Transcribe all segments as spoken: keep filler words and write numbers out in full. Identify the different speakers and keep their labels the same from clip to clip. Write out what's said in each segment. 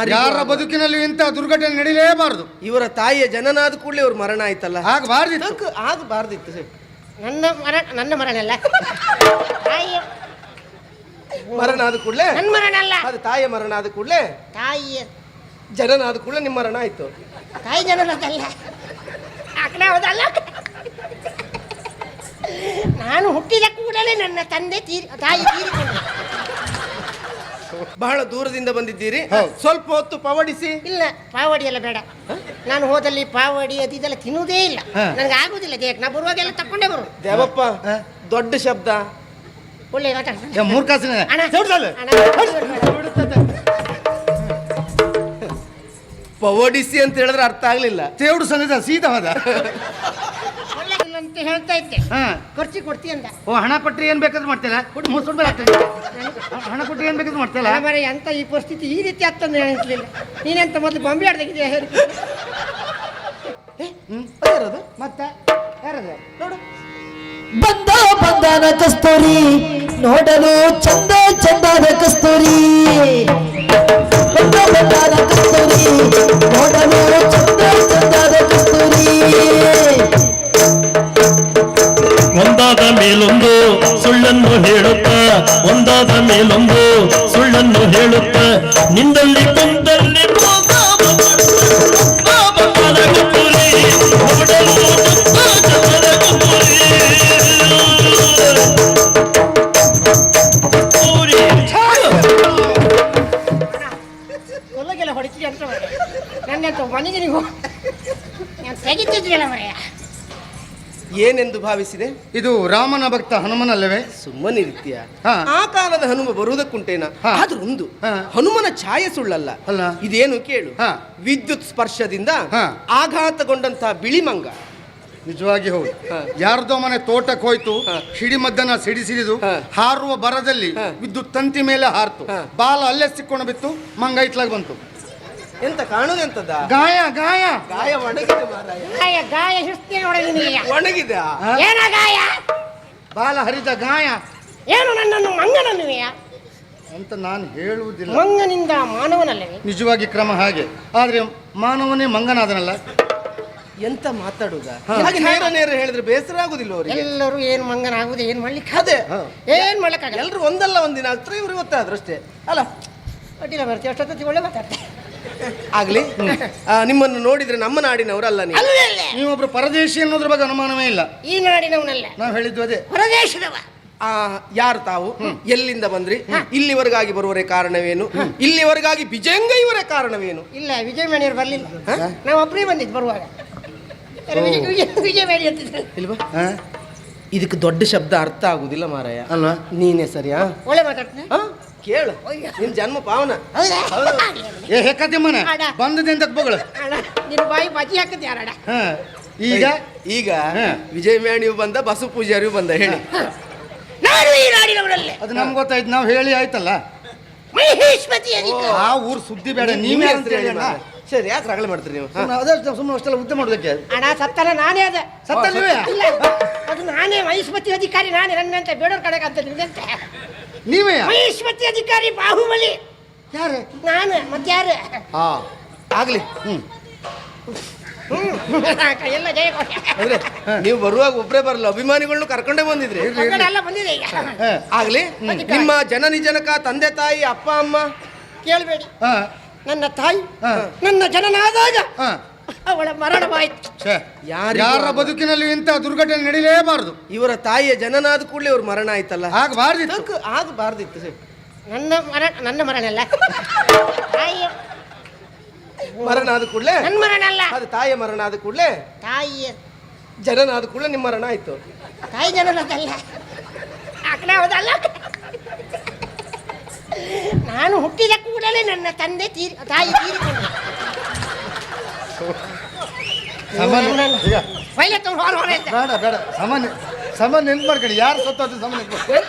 Speaker 1: ಯಾರ ಬದುಕಿನಲ್ಲಿ ಇಂಥ ದುರ್ಘಟನೆ ನಡೀಲೇಬಾರದು.
Speaker 2: ಇವರ ತಾಯಿಯ ಜನನಾದ ಕೂಡಲೇ ಇವ್ರ ಮರಣ ಆಯ್ತಲ್ಲ,
Speaker 1: ಆಗಬಾರ್ದಿತ್ತು
Speaker 2: ಆಗಬಾರ್ದಿತ್ತು.
Speaker 3: ನನ್ನ ಮರ ನನ್ನ ಮರಣ ಅಲ್ಲ, ತಾಯಿಯ
Speaker 2: ಮರಣ ಆದ ಕೂಡಲೇ
Speaker 3: ನನ್ನ ಮರಣ ಅಲ್ಲ,
Speaker 2: ಅದು ತಾಯಿಯ ಮರಣ ಆದ ಕೂಡಲೇ
Speaker 3: ತಾಯಿಯ
Speaker 2: ಜನನಾದ ಕೂಡಲೇ ನಿಮ್ಮ ಮರಣ ಆಯ್ತು.
Speaker 3: ತಾಯಿ ಜನನದಲ್ಲ, ಆ ಕಡೆ ಹೌದಲ್ಲ. ನಾನು ಹುಟ್ಟಿದ ಕೂಡಲೇ ನನ್ನ ತಂದೆ ತೀರಿ ತಾಯಿ ತೀರಿಕೊಂಡ್ರು.
Speaker 2: ಬಹಳ ದೂರದಿಂದ ಬಂದಿದ್ದೀರಿ, ಸ್ವಲ್ಪ ಹೊತ್ತು ಪವಡಿಸಿ.
Speaker 3: ಇಲ್ಲ, ಪಾವಡಿ ಎಲ್ಲ ಬೇಡ. ನಾನು ಹೋದಲ್ಲಿ ಪಾವಡಿ ಅದು ಇದೆಲ್ಲ ತಿನ್ನುವುದೇ ಇಲ್ಲ, ನನಗೆ ಆಗುದಿಲ್ಲ ದೇಹಕ್ಕೆ. ನಾ ಬರುವಾಗೆಲ್ಲ ತಕೊಂಡೇ ಬರು.
Speaker 2: ದೇವಪ್ಪ ದೊಡ್ಡ ಶಬ್ದ,
Speaker 3: ಒಳ್ಳೆ ಮಾತಾಡ್ತಾನೆ.
Speaker 1: ಮೂರ್ಖಾಸನ
Speaker 2: ಪವಡಿಸಿ ಅಂತ ಹೇಳಿದ್ರೆ ಅರ್ಥ ಆಗ್ಲಿಲ್ಲ.
Speaker 1: ತೇವಡು ಸನ್ನಿಧ ಸೀದಾ ಹೋದ.
Speaker 3: ಅಂತ ಹೇಳ್ತಾ ಇದ್ದೆ, ಖರ್ಚಿ ಕೊಡ್ತಿ ಅಂತ.
Speaker 1: ಓ, ಹಣ ಕೊಟ್ಟರೆ ಏನ್ ಬೇಕಾದ್ರೂ ಮಾಡ್ತೀರಾ? ಹಣ ಕೊಟ್ಟರೆ ಏನ್ ಬೇಕಾದ್ರೂ ಮಾಡ್ತೀರಾ?
Speaker 3: ಬರೀ ಅಂತ ಈ ಪರಿಸ್ಥಿತಿ ಈ ರೀತಿ ಆಗ್ತಂದ್ರೆ ಅನಿಸ್ಲಿಲ್ಲ. ನೀನೆಂತ ಮೊದಲು ಬಾಂಬೆ ಆಡ್ದಾಗಿದೆಯಾ ಹೇಳಿ
Speaker 1: ಮತ್ತೆ ಯಾರದು
Speaker 3: ನೋಡು.
Speaker 4: ಬಂದ ಬಂದನ ಕಸ್ತೂರಿ ನೋಡಲು ಚಂದ ಚಂದದ ಕಸ್ತೂರಿ, ಬಂದ ಬಂದನ ಕಸ್ತೂರಿ ನೋಡಲು ಚಂದ ಚಂದದ ಕಸ್ತೂರಿ.
Speaker 5: ಒಂದಾದ ಮೇಲೊಂದು ಸುಳ್ಳನ್ನು ಹೇಳುತ್ತ, ಒಂದಾದ ಮೇಲೊಂದು ಸುಳ್ಳನ್ನು ಹೇಳುತ್ತ, ನಿಂದಲ್ಲಿ ಕುಂದಲ್ಲಿ
Speaker 3: ಒಳಗೆಲ್ಲ ಹೊಡಿತೀರಿ ಅಂತ ನನ್ನಂತ ಮನೆಗೆ ನೀವು ನಾನು ತೆಗಿತಿದ್ರಲ್ಲ ಮರೆಯ.
Speaker 2: ಏನೆಂದು ಭಾವಿಸಿದೆ?
Speaker 1: ಇದು ರಾಮನ ಭಕ್ತ ಹನುಮನಲ್ಲವೇ?
Speaker 2: ಸುಮ್ಮನೆ ರೀತಿಯ ಆ ಕಾಲದ ಹನುಮ ಬರುವುದಕ್ಕುಂಟೇನ. ಆದ್ರೂ ಒಂದು ಹನುಮನ ಛಾಯೆ ಸುಳ್ಳಲ್ಲ
Speaker 1: ಅಲ್ಲ.
Speaker 2: ಇದೇನು ಕೇಳು, ವಿದ್ಯುತ್ ಸ್ಪರ್ಶದಿಂದ ಆಘಾತಗೊಂಡಂತಹ ಬಿಳಿ ಮಂಗ.
Speaker 1: ನಿಜವಾಗಿ ಹೌದು. ಯಾರ್ದೋ ಮನೆ ತೋಟಕ್ಕೆ ಹೋಯ್ತು, ಸಿಡಿಮದ್ದನ್ನ ಸಿಡಿಸಿಡಿದು ಹಾರುವ ಬರದಲ್ಲಿ ವಿದ್ಯುತ್ ತಂತಿ ಮೇಲೆ ಹಾರ್ತು, ಬಾಲ ಅಲ್ಲೇ ಸಿಕ್ಕೊಂಡು ಬಿತ್ತು, ಮಂಗ ಇತ್ಲಾಗ ಬಂತು.
Speaker 2: ಎಂತ ಕಾಣುದೆಂತದ?
Speaker 1: ಗಾಯ ಗಾಯ
Speaker 2: ಗಾಯ ಒಣಗಿದೆ ಮಾರಾಯ.
Speaker 3: ಗಾಯ ಗಾಯ ಹಿಸ್ತೀನಿ ಒಳಗಿದೆಯಾ?
Speaker 2: ಒಣಗಿದೆ.
Speaker 3: ಏನ ಗಾಯ?
Speaker 1: ಬಾಲ ಹರಿದ ಗಾಯ.
Speaker 3: ಏನು ನನ್ನನ್ನು ಮಂಗನನ್ನುವೆಯಾ
Speaker 1: ಅಂತ ನಾನು ಹೇಳುವುದಿಲ್ಲ.
Speaker 3: ಮಂಗನಿಂದ ಮಾನವನಲ್ಲವೇ?
Speaker 1: ನಿಜವಾಗಿ ಕ್ರಮ ಹಾಗೆ, ಆದ್ರೆ ಮಾನವನೇ ಮಂಗನಾದನಲ್ಲ.
Speaker 2: ಎಂತ ಮಾತಾಡುದ? ಹಾಗೆ ನೇರ ನೇರ ಹೇಳಿದ್ರೆ ಬೇಸರ ಆಗುದಿಲ್ಲ ಅವರಿಗೆ.
Speaker 3: ಎಲ್ಲರೂ ಏನು ಮಂಗನಾಗುದು, ಏನ್ ಮಾಡ್ಲಿಕ್ಕೆ
Speaker 2: ಅದೇ
Speaker 3: ಏನ್ ಮಾಡ್ಲಿಕ್ಕಾಗಲ್ಲ.
Speaker 2: ಎಲ್ರು ಒಂದಲ್ಲ ಒಂದಿನ ಆಗ್ತಾರೆ, ಇವ್ರು ಇವತ್ತಾದ್ರು ಅಷ್ಟೇ ಅಲ್ಲ.
Speaker 3: ಅಡ್ಡಿಲ್ಲ ಬರ್ತೀವಿ, ಅಷ್ಟೊತ್ತಿ ಒಳ್ಳೆ ಮಾತಾಡ್ತೆ
Speaker 2: ಆಗ್ಲಿ. ನಿಮ್ಮನ್ನು ನೋಡಿದ್ರೆ ನಮ್ಮ ನಾಡಿನವರಲ್ಲ ನೀವು.
Speaker 1: ನೀವೊಬ್ರು ಪರದೇಶಿ ಅನ್ನೋದ್ರ ಬಗ್ಗೆ ಅನುಮಾನವೇ ಇಲ್ಲ.
Speaker 3: ಈ ನಾಡಿನವನಲ್ಲ,
Speaker 1: ನಾವು ಹೇಳಿದ್ದು ಅದೇ.
Speaker 3: ಹೊರದೇಶದವ.
Speaker 2: ಆ ಯಾರು ತಾವು? ಎಲ್ಲಿಂದ ಬಂದ್ರಿ? ಇಲ್ಲಿವರೆಗಾಗಿ ಬರುವರೆ ಕಾರಣವೇನು? ಇಲ್ಲಿವರೆಗಾಗಿ ಬಿಜಂಗ ಇವರೇ ಕಾರಣವೇನು?
Speaker 3: ಇಲ್ಲ, ವಿಜಯ ಮೇಣಿಯವರು ಬರ್ಲಿಲ್ಲ, ನಾವು ಒಬ್ಬರೇ ಬಂದಿದ್ದು ಬರುವಾಗ. ವಿಜಯ ಮೇಣಿ ಅಂತಿದ್ರು
Speaker 2: ಇಲ್ವಾ? ಇದಕ್ಕೆ ದೊಡ್ಡ ಶಬ್ದ ಅರ್ಥ ಆಗುದಿಲ್ಲ ಮಾರಾಯ.
Speaker 1: ಅಲ್ವಾ?
Speaker 2: ನೀನೇ ಸರಿಯಾ?
Speaker 3: ಒಳ್ಳೆ ಮಾತಾಡ್ತೀನಿ
Speaker 2: ಕೇಳು, ನಿನ್ ಜನ್ಮ ಪಾವನ.
Speaker 1: ಏ ಹೆಕ್ಕತಿಮ್ಮನ ಬಂದದಿಂದ ಬಗಳು
Speaker 3: ನಿನ್ನ ಬಾಯಿ ಬಾಜಿ ಹಾಕದ್ ಯಾರಡ.
Speaker 1: ಈಗ
Speaker 2: ಈಗ ವಿಜಯ ಮೇಣಿಯು ಬಂದ, ಬಸವ ಪೂಜಾರಿಯು ಬಂದ. ಹೇಳಿ,
Speaker 3: ನಾನು ಈ ನಾಡಿನವರಲ್ಲೇ.
Speaker 1: ಅದು ನಮ್ಗೆ ಗೊತ್ತಾಯ್ತು, ನಾವು ಹೇಳಿ ಆಯ್ತಲ್ಲ.
Speaker 3: ಮಹೇಶ್ಮತಿ
Speaker 1: ಆ ಊರ್ ಸುದ್ದಿ ಬೇಡ, ನೀವೇ ಅಂತ ಹೇಳಿ ಅಣ್ಣ.
Speaker 2: ಸರಿ, ಯಾಕೆ ರಗಳೆ ಮಾಡ್ತೀರಿ ನೀವು?
Speaker 1: ಅದಷ್ಟು ಸುಮ್ಮನೆ ಅಷ್ಟೆಲ್ಲ ಉದ್ದ ಮಾಡೋದಕ್ಕೆ.
Speaker 3: ಅಣ್ಣ ಸತ್ತನ ನಾನೇ ಅದ.
Speaker 1: ಸತ್ತ ನೀವೇ?
Speaker 3: ಇಲ್ಲ, ಅದು ನಾನೇ ಮಹೇಶ್ಮತಿ ಅಧಿಕಾರಿ, ನಾನೇ. ನನ್ನಂತ ಬೇಡೋರ್ ಕಡೆಗೆ ಅಂತ ನಿಂದಂತ
Speaker 1: ನೀವೇ
Speaker 3: ಮಹೇಶ್ಮತಿ ಅಧಿಕಾರಿ ಬಾಹುಬಲಿ.
Speaker 1: ಯಾರು?
Speaker 3: ನಾನು ಮತ್ತೆ ಯಾರು?
Speaker 1: ಹಾ
Speaker 2: ಆಗ್ಲಿ.
Speaker 3: ಹ್ಮ್ ಎಲ್ಲ ಜಯ
Speaker 2: ಅಂದ್ರೆ ನೀವು ಬರುವಾಗ ಒಬ್ಬರೇ ಬರಲ್ಲ, ಅಭಿಮಾನಿಗಳನ್ನು ಕರ್ಕೊಂಡೇ ಬಂದಿದ್ರಿ.
Speaker 3: ಎಲ್ಲ ಬಂದಿದೆ ಈಗ.
Speaker 2: ಆಗ್ಲಿ. ನಿಮ್ಮ ಜನ ನಿಜನಕ ತಂದೆ ತಾಯಿ ಅಪ್ಪ ಅಮ್ಮ
Speaker 3: ಕೇಳಬೇಡಿ. ನನ್ನ ತಾಯಿ ನನ್ನ ಜನನಾದಾಗ ಅವಳ ಮರಣವಾಯ್ತು.
Speaker 1: ಯಾರ ಬದುಕಿನಲ್ಲಿ ಇಂಥ ದುರ್ಘಟನೆ ನಡೀಲೇಬಾರದು.
Speaker 2: ಇವರ ತಾಯಿಯ ಜನನಾದ ಕೂಡಲೇ ಇವ್ರ ಮರಣ ಆಯ್ತಲ್ಲ,
Speaker 1: ಆಗಬಾರ್ದಿತ್ತು
Speaker 2: ಆಗಬಾರ್ದಿತ್ತು.
Speaker 3: ನನ್ನ ಮರಣ ನನ್ನ ಮರಣ ಅಲ್ಲ, ತಾಯಿಯ
Speaker 2: ಮರಣ ಆದ ಕೂಡಲೇ
Speaker 3: ನನ್ನ ಮರಣ ಅಲ್ಲ,
Speaker 2: ಅದು ತಾಯಿಯ ಮರಣ ಆದ ಕೂಡಲೇ
Speaker 3: ತಾಯಿಯ
Speaker 2: ಜನನಾದ ಕೂಡಲೇ ನಿಮ್ಮ ಮರಣ ಆಯ್ತು.
Speaker 3: ತಾಯಿ ಜನನದಲ್ಲ, ಆ ಕಡೆ ಹೌದಲ್ಲ. ನಾನು ಹುಟ್ಟಿದ ಕೂಡಲೇ ನನ್ನ ತಂದೆ ತೀರಿ ತಾಯಿ ತೀರಿಕೊಂಡ್ರು.
Speaker 1: ಬೇಡ ಬೇಡ, ಸಾಮಾನ್ಯ ಸಾಮಾನ್ಯ ನೆನ್ಪು ಮಾಡ್ಕೊಳ್ಳಿ. ಯಾರು ಸತ್ತದ್ದು ಸಾಮಾನ್ಯ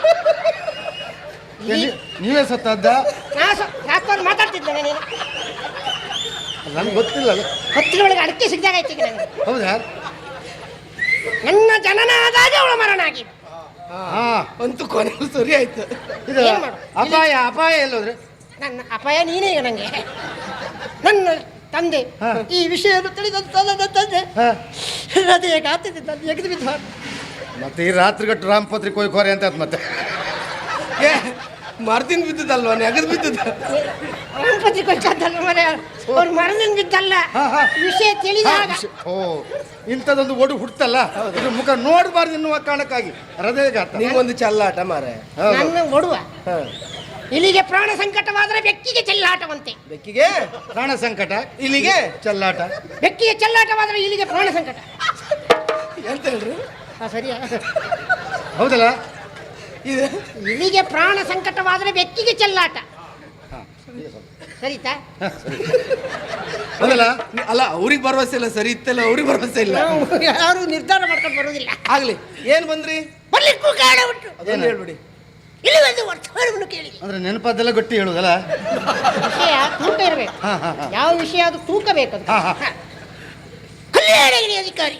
Speaker 1: ನೀವೇ ಸತ್ತದ್ದ?
Speaker 3: ಮಾತಾಡ್ತಿದ್ದೇನೆ ನೀನು,
Speaker 1: ನನ್ಗೆ ಗೊತ್ತಿಲ್ಲ.
Speaker 3: ಹತ್ತಿರ ಒಳಗೆ ಅಡಿಕೆ ಸಿಗ್ದಾಗ ಆಯ್ತು ನನಗೆ.
Speaker 1: ಹೌದಾ?
Speaker 3: ನನ್ನ ಜನನ ಆದಾಗ ಅವಳ ಮರಣ ಆಗಿದೆ.
Speaker 2: ಅಂತೂ ಕೊನೆಗೂ ಸರಿ ಆಯ್ತು.
Speaker 1: ಇದು ಅಪಾಯ ಅಪಾಯ ಎಲ್ಲೋದ್ರೆ?
Speaker 3: ನನ್ನ ಅಪಾಯ ನೀನೇ ಈಗ ನಂಗೆ. ನನ್ನ ತಂದೆ
Speaker 1: ಹಾ.
Speaker 3: ಈ ವಿಷಯವನ್ನು ತಿಳಿದಂತ ನನ್ನ ತಂದೆ
Speaker 1: ಹಾ.
Speaker 3: ಹೃದಯ ಗಾತ್ರದಿಂದ ಎಗೆದು ಬಿದ್ದ
Speaker 1: ಮತ್ತೆ ಈ ರಾತ್ರಿಗಟ್ಟು ರಾಮಪತ್ರಿ ಕೊಯ್ಕೋರೆ ಅಂತ ಆಯ್ತು ಮತ್ತೆ.
Speaker 2: ಏ ಮರ್ದಿನ ಬಿದ್ದದಲ್ವಾ ನೆಗದ್ ಬಿದ್ದದ
Speaker 3: ಗಣಪತಿ ಕೊಚ್ಚಲ್ಲ ಮನೆ ಅವ್ರು ಮರದಿಂದ ಬಿದ್ದಲ್ಲ
Speaker 1: ಹಾ, ಹಾ.
Speaker 3: ವಿಷಯ ತಿಳಿದಾಗ
Speaker 1: ಓ ಇಂಥದ್ದೊಂದು ಒಡು ಹುಟ್ಟಲ್ಲ, ಇದು ಮುಖ ನೋಡಬಾರ್ದು ಎನ್ನುವ ಕಾರಣಕ್ಕಾಗಿ ಹೃದಯಘಾತ.
Speaker 2: ನಿಂಗೊಂದು ಚಲ್ಲಾಟ ಮಾರೆ.
Speaker 1: ಹೌದು.
Speaker 3: ನನ್ನ ಒಡುವ
Speaker 2: ಹ.
Speaker 3: ಇಲ್ಲಿಗೆ ಪ್ರಾಣ ಸಂಕಟವಾದರೆ ಬೆಕ್ಕಿಗೆ ಚೆಲ್ಲಾಟವಂತೆ.
Speaker 2: ಬೆಕ್ಕಿಗೆ
Speaker 1: ಪ್ರಾಣ ಸಂಕಟ,
Speaker 2: ಇಲ್ಲಿಗೆ
Speaker 1: ಚೆಲ್ಲಾಟ.
Speaker 3: ಬೆಕ್ಕಿಗೆ ಚೆಲ್ಲಾಟವಾದರೆ ಇಲ್ಲಿಗೆ ಪ್ರಾಣ ಸಂಕಟ.
Speaker 2: ಎಂತ ಹೇಳ್ರಿ
Speaker 3: ಹಾ, ಸರಿಯಾ?
Speaker 1: ಹೌದಲ್ಲ?
Speaker 2: ಇದು
Speaker 3: ಇಲ್ಲಿಗೆ ಪ್ರಾಣ ಸಂಕಟವಾದರೆ ಬೆಕ್ಕಿಗೆ ಚೆಲ್ಲಾಟ. ಸರಿತಾ?
Speaker 1: ಹೌದಲ್ಲ?
Speaker 2: ಅಲ್ಲ ಅವ್ರಿಗೆ ಭರವಸೆ ಇಲ್ಲ, ಸರಿ ಇತ್ತಲ್ಲ ಅವ್ರಿಗೆ ಭರವಸೆ ಇಲ್ಲ.
Speaker 3: ನಾವು ಯಾರು ನಿರ್ಧಾರ ಮಾಡ್ಕೊಂಡು ಬರುವುದಿಲ್ಲ.
Speaker 2: ಆಗ್ಲಿ ಏನ್ ಬಂದ್ರಿ
Speaker 3: ಬರ್ಲಿಕ್ಕೂ ಕಾರಣ ಉಂಟು.
Speaker 2: ಅದನ್ನ ಹೇಳ್ಬಿಡಿ.
Speaker 3: ಇಲ್ಲಿ ಒಂದು ವರ್ತಮಾನವನ್ನು ಕೇಳಿ.
Speaker 1: ಅಂದ್ರೆ ನೆನಪದ್ದೆಲ್ಲ ಗಟ್ಟಿ ಹೇಳುದಲ್ಲ?
Speaker 3: ವಿಷಯ ತೂಕ ಇರಬೇಕು.
Speaker 1: ಹಾ, ಹಾ, ಹಾ.
Speaker 3: ಯಾವ ವಿಷಯ ಅದು ತೂಕ ಬೇಕು.
Speaker 1: ಹಾ, ಹಾ.
Speaker 3: ಕಲ್ಯಾಣಗಿರಿ ಅಧಿಕಾರಿ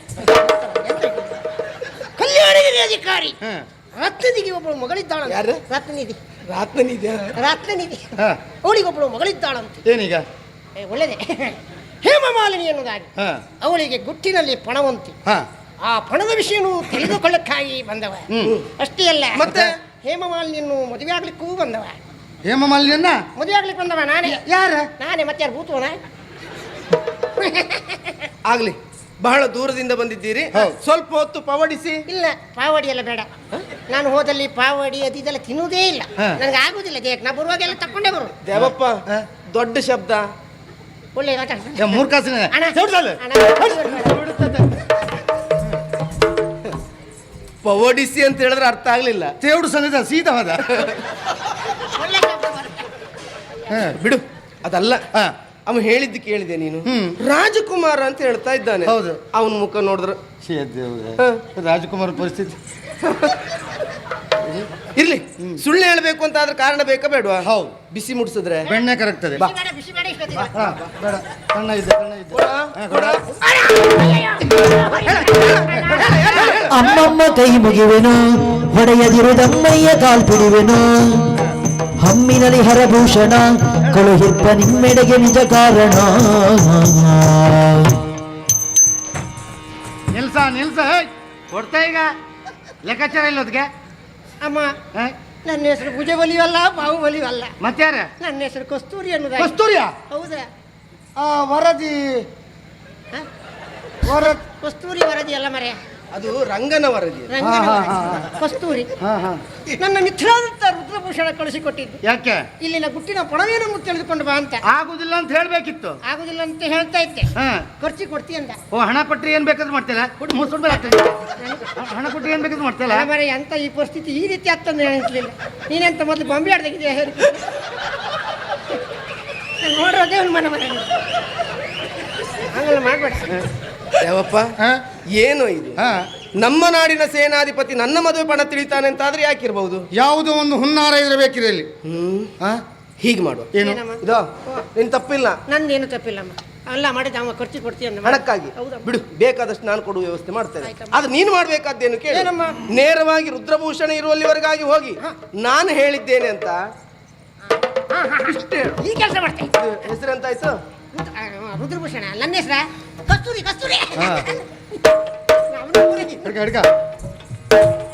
Speaker 3: ಕಲ್ಯಾಣಗಿರಿ ಅಧಿಕಾರಿ
Speaker 1: ಹಾ.
Speaker 3: ರತ್ನನಿಧಿ ಒಬ್ಬಳು ಮಗಳಿದ್ದಾಳ.
Speaker 2: ಯಾರು?
Speaker 3: ರತ್ನನಿಧಿ.
Speaker 2: ರಾತ್ನನಿದ್ಯಾ?
Speaker 3: ರತ್ನನಿಧಿ
Speaker 1: ಹಾ.
Speaker 3: ಅವಳಿಗೊಬ್ಬಳು ಮಗಳಿದ್ದಾಳಂತೆ.
Speaker 1: ಏನೀಗ?
Speaker 3: ಏ, ಒಳ್ಳೆದೆ. ಹೇಮಮಾಲಿನಿ ಎನ್ನುವುದಾಗಿ
Speaker 1: ಹಾ.
Speaker 3: ಅವಳಿಗೆ ಗುಟ್ಟಿನಲ್ಲಿ ಪಣವಂತಿ.
Speaker 1: ಹಾ.
Speaker 3: ಆ ಪಣದ ವಿಷಯನು ತಿಳಿದುಕೊಳ್ಳಕ್ಕಾಗಿ ಬಂದವ.
Speaker 1: ಹ್ಮ್.
Speaker 3: ಅಷ್ಟೇ ಅಲ್ಲ,
Speaker 2: ಮತ್ತೆ?
Speaker 3: ಹೇಮಮಾಲಿನಿಯನ್ನು ಮದುವೆ ಆಗ್ಲಿಕ್ಕೂ ಬಂದವ.
Speaker 1: ಹೇಮಮಾಲಿನಿಯನ್ನ
Speaker 3: ಮದುವೆ ಆಗ್ಲಿಕ್ಕೆ ಬಂದವ ನಾನೇ.
Speaker 1: ಯಾರ?
Speaker 3: ನಾನೇ. ಮತ್ತೆ ಯಾರು ಭೂತವನ?
Speaker 2: ಆಗ್ಲಿ ಬಹಳ ದೂರದಿಂದ ಬಂದಿದ್ದೀರಿ,
Speaker 1: ಹೌದು.
Speaker 2: ಸ್ವಲ್ಪ ಹೊತ್ತು ಪವಡಿಸಿ.
Speaker 3: ಇಲ್ಲ, ಪಾವಡಿ ಎಲ್ಲ ಬೇಡ. ನಾನು ಹೋದಲ್ಲಿ ಪಾವಡಿ ಅದು ಇದೆಲ್ಲ ತಿನ್ನುವುದೇ ಇಲ್ಲ.
Speaker 1: ಹಾ.
Speaker 3: ನನಗೆ ಆಗುದಿಲ್ಲ ದೇಹಕ್ಕೆ. ನಾ ಬರುವಾಗೆಲ್ಲ ತಕೊಂಡೇ ಬರು.
Speaker 2: ದೇವಪ್ಪ
Speaker 1: ಹ?
Speaker 2: ದೊಡ್ಡ ಶಬ್ದ.
Speaker 3: ಒಳ್ಳೆ ಮಾತಾಡ್ತಾನೆ.
Speaker 1: ಏ, ಮೂರ್ಖಾಸಿನ
Speaker 3: ಅಣ್ಣ.
Speaker 1: ಚೌಡ್ಸಲ್ಲ?
Speaker 3: ಅಣ್ಣ.
Speaker 2: ಪವಡಿಸಿ ಅಂತ ಹೇಳಿದ್ರೆ ಅರ್ಥ ಆಗ್ಲಿಲ್ಲ.
Speaker 1: ತೇವ್ಡು ಸನ್ನಿಧ ಸೀದಾ ಹೋದ.
Speaker 3: ಒಳ್ಳೆ ಶಬ್ದ ಬರುತ್ತೆ.
Speaker 1: ಹಾ.
Speaker 2: ಬಿಡು ಅದಲ್ಲ.
Speaker 1: ಹಾ.
Speaker 2: ಅವ ಹೇಳಿದ್ದು ಕೇಳಿದೆ ನೀನು.
Speaker 1: ಹ್ಮ್.
Speaker 2: ರಾಜಕುಮಾರ ಅಂತ ಹೇಳ್ತಾ ಇದ್ದಾನೆ.
Speaker 1: ಹೌದು.
Speaker 2: ಅವನ ಮುಖ ನೋಡಿದ್ರ
Speaker 1: ಛೇ ದೇವ್ರೇ.
Speaker 2: ಹಾ.
Speaker 1: ರಾಜಕುಮಾರ ಪರಿಸ್ಥಿತಿ.
Speaker 2: ಇರ್ಲಿ, ಸುಳ್ಳು ಹೇಳ್ಬೇಕು ಅಂತ ಆದ್ರೆ ಕಾರಣ ಬೇಕಾ ಬೇಡವಾ?
Speaker 1: ಹೌದು.
Speaker 2: ಬಿಸಿ ಮುಡ್ಸಿದ್ರೆ
Speaker 1: ಬೆಣ್ಣೆ ಕರಗ್ತದೆ.
Speaker 3: ಬಿಸಿ ಬೇಡ, ಬಿಸಿ ಬೇಡ ಇಷ್ಟೊತ್ತಿಗೆ.
Speaker 1: ಹಾ, ಬೇಡ. ಸಣ್ಣ ಇದ್ದೆ, ಸಣ್ಣ ಇದ್ದೆ.
Speaker 2: ಕೊಡ,
Speaker 1: ಹಾ,
Speaker 2: ಕೊಡ.
Speaker 4: ಅಮ್ಮಮ್ಮ ಕೈ ಮುಗಿವೆನು ಹೊಡೆಯದಿರುದಮ್ಮಯ್ಯ ಕಾಲ್ಪಿಡುವೆನು ಹಮ್ಮಿನಲ್ಲಿ ಹರಭೂಷಣ ಕಳುಹಿರ್ಪ ನಿಮ್ಮೆಡೆಗೆ ನಿಜ ಕಾರಣ.
Speaker 1: ನಿಲ್ಸ ನಿಲ್ಸ ಹೇ. ಕೊಡ್ತಾ ಈಗ ಲೆಕ್ಕಾಚಾರ ಇಲ್ಲೋದ್ಗೆ.
Speaker 3: ಅಮ್ಮ, ನನ್ನ ಹೆಸರು ಭುಜಬಲಿಯೂ ಅಲ್ಲ, ಬಾಹುಬಲಿಯೂ ಅಲ್ಲ.
Speaker 1: ಮತ್ಯಾರ?
Speaker 3: ನನ್ನ ಹೆಸರು ಕಸ್ತೂರಿ ಅನ್ನೋದಾಗಿ.
Speaker 1: ಕಸ್ತೂರಿಯ
Speaker 3: ಹೌದಾ?
Speaker 1: ಆ, ವರದಿ
Speaker 3: ಹ?
Speaker 1: ವರ
Speaker 3: ಕಸ್ತೂರಿ ವರದಿ ಅಲ್ಲ ಮರೆ,
Speaker 2: ಅದು ರಂಗನ ವರದಿ.
Speaker 3: ರಂಗನ
Speaker 1: ಹಾ,
Speaker 3: ವರದಿ.
Speaker 1: ಹಾ, ಹಾ.
Speaker 3: ಕಸ್ತೂರಿ
Speaker 1: ಹಾ, ಹಾ.
Speaker 3: ನನ್ನ ಮಿತ್ರರಾದಂತ ರುದ್ರಭೂಷಣ ಕಳಿಸಿಕೊಟ್ಟಿದ್ದು.
Speaker 1: ಯಾಕೆ?
Speaker 3: ಇಲ್ಲಿನ ಗುಟ್ಟಿನ ಪಣವೇನನ್ನು ತಿಳಿದುಕೊಂಡು ಬಾ ಅಂತ.
Speaker 1: ಆಗುದಿಲ್ಲ ಅಂತ ಹೇಳ್ಬೇಕಿತ್ತು.
Speaker 3: ಆಗುದಿಲ್ಲ ಅಂತ ಹೇಳ್ತಾ ಇದ್ದೆ.
Speaker 1: ಹಾ.
Speaker 3: ಖರ್ಚಿ ಕೊಡ್ತಿ ಅಂದ.
Speaker 1: ಓ, ಹಣ ಕೊಟ್ರಿ ಏನ್ ಬೇಕಾದ್ರೂ ಮಾಡ್ತಿಲ್ಲ. ಕೊಟ್ಟು ಮುಸುಡ್ಬೇಡ ಆಗ್ತದೆ. ಹಣ ಕೊಟ್ರಿ ಏನ್ ಬೇಕಾದ್ರೂ ಮಾಡ್ತಿಲ್ಲ.
Speaker 3: ಮರೆ ಅಂತ ಈ ಪರಿಸ್ಥಿತಿ ಈ ರೀತಿ ಆಗ್ತಂದು ಹೇಳಿರ್ಲಿಲ್ಲ. ನೀನೆಂತ ಮೊದಲು ಬೊಂಬೆ ಆಡ್ದಾಗಿದೆಯಾ ಹೇಳಿ ನೋಡೋದೇ ಒಂದು ಮನೆ ಮನೆ ಹಂಗೆಲ್ಲ ಮಾಡ್ಬೇಡ.
Speaker 2: ದೇವಪ್ಪ
Speaker 1: ಹಾ?
Speaker 2: ಏನು ಇದು?
Speaker 1: ಹಾ.
Speaker 2: ನಮ್ಮ ನಾಡಿನ ಸೇನಾಧಿಪತಿ ನನ್ನ ಮದುವೆ ಪಣ ತಿಳಿತಾನೆ ಅಂತ ಆದ್ರೆ ಯಾಕಿರ್ಬಹುದು?
Speaker 1: ಯಾವುದೋ ಒಂದು ಹುನ್ನಾರ ಇರಬೇಕಿದೆ ಇಲ್ಲಿ.
Speaker 2: ಹ್ಮ್
Speaker 1: ಹಾ?
Speaker 2: ಹೀಗೆ ಮಾಡುವ.
Speaker 1: ಏನು?
Speaker 3: ಏನಮ್ಮ?
Speaker 2: ಇದೋ ನಿನ್ ತಪ್ಪಿಲ್ಲ.
Speaker 3: ನಂದೇನು ತಪ್ಪಿಲ್ಲಮ್ಮ. ಅಲ್ಲ ಮಾಡಿದ ಅವ ಖರ್ಚು ಕೊಡ್ತಿ ಅಂದ.
Speaker 2: ಹಣಕ್ಕಾಗಿ
Speaker 3: ಹೌದಮ್ಮ.
Speaker 2: ಬಿಡು, ಬೇಕಾದಷ್ಟು ನಾನು ಕೊಡುವ ವ್ಯವಸ್ಥೆ ಮಾಡ್ತೇನೆ.
Speaker 3: ಆಯ್ತಮ್ಮ.
Speaker 2: ಆದ್ರೆ ನೀನು ಮಾಡ್ಬೇಕಾದ್ದೇನು ಕೇಳಿ.
Speaker 3: ಏನಮ್ಮ?
Speaker 2: ನೇರವಾಗಿ ರುದ್ರಭೂಷಣ ಇರುವಲ್ಲಿವರೆಗಾಗಿ ಹೋಗಿ ನಾನು ಹೇಳಿದ್ದೇನೆ ಅಂತ
Speaker 3: ಹಾ, ಹಾ, ಇಷ್ಟೇ ಹೇಳು. ಈ ಕೆಲಸ ಮಾಡ್ತೇನೆ.
Speaker 2: ಹೆಸರು ಅಂತ ಆಯ್ತು?
Speaker 3: ರುದ್ರಭೂಷಣ. ನನ್ನ ಹೆಸರ ಕಸ್ತೂರಿ. ಕಸ್ತೂರಿ
Speaker 1: ಹಾ.
Speaker 3: ಅವನು ಊರಿಗೆ-
Speaker 1: ಹಿಡ್ಕ ಹಿಡ್ಕ